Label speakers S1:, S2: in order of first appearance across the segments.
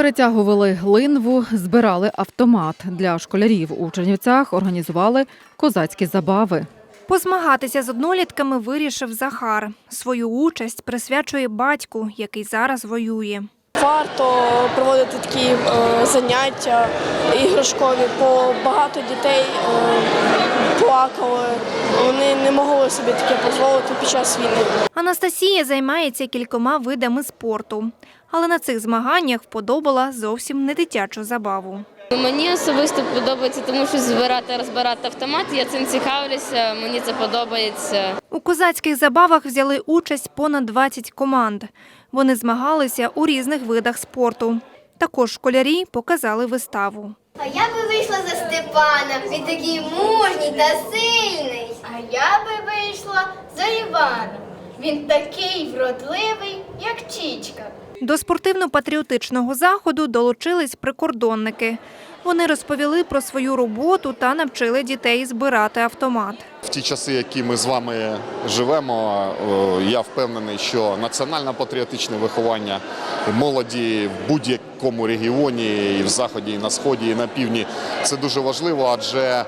S1: Перетягували линву, збирали автомат. Для школярів у Чернівцях організували козацькі забави.
S2: Позмагатися з однолітками вирішив Захар. Свою участь присвячує батьку, який зараз воює.
S3: Варто проводити такі заняття іграшкові, бо багато дітей плакали, вони не могли собі таке дозволити під час війни.
S2: Анастасія займається кількома видами спорту, але на цих змаганнях вподобала зовсім не дитячу забаву.
S4: Мені особисто подобається, тому що збирати, розбирати автомат, я цим цікавлюся, мені це подобається.
S2: У козацьких забавах взяли участь понад 20 команд. Вони змагалися у різних видах спорту. Також школярі показали виставу.
S5: А я би вийшла за Степана, він такий мужній та сильний. А я би вийшла за Івана, він такий вродливий, як Чічка.
S2: До спортивно-патріотичного заходу долучились прикордонники. Вони розповіли про свою роботу та навчили дітей збирати автомат.
S6: В ті часи, які ми з вами живемо, я впевнений, що національно-патріотичне виховання молоді в будь-якому регіоні, і в Заході, і на Сході, і на Півдні – це дуже важливо, адже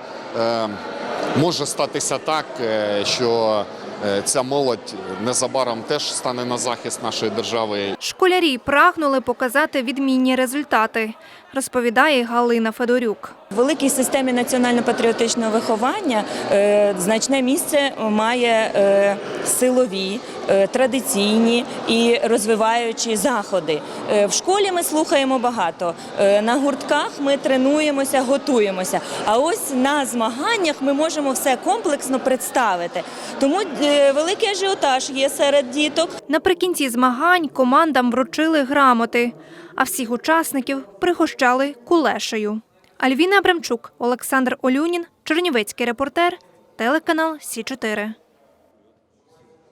S6: може статися так, що ця молодь незабаром теж стане на захист нашої держави.
S2: Школярі прагнули показати відмінні результати, розповідає Галина Федорюк.
S7: В великій системі національно-патріотичного виховання значне місце має силові, традиційні і розвиваючі заходи. В школі ми слухаємо багато, на гуртках ми тренуємося, готуємося, а ось на змаганнях ми можемо все комплексно представити. Тому великий ажіотаж є серед діток.
S2: Наприкінці змагань командам вручили грамоти, а всіх учасників пригощали кулешею. Альвіна Абрамчук, Олександр Олюнін, Чернівецький репортер, телеканал Сі 4.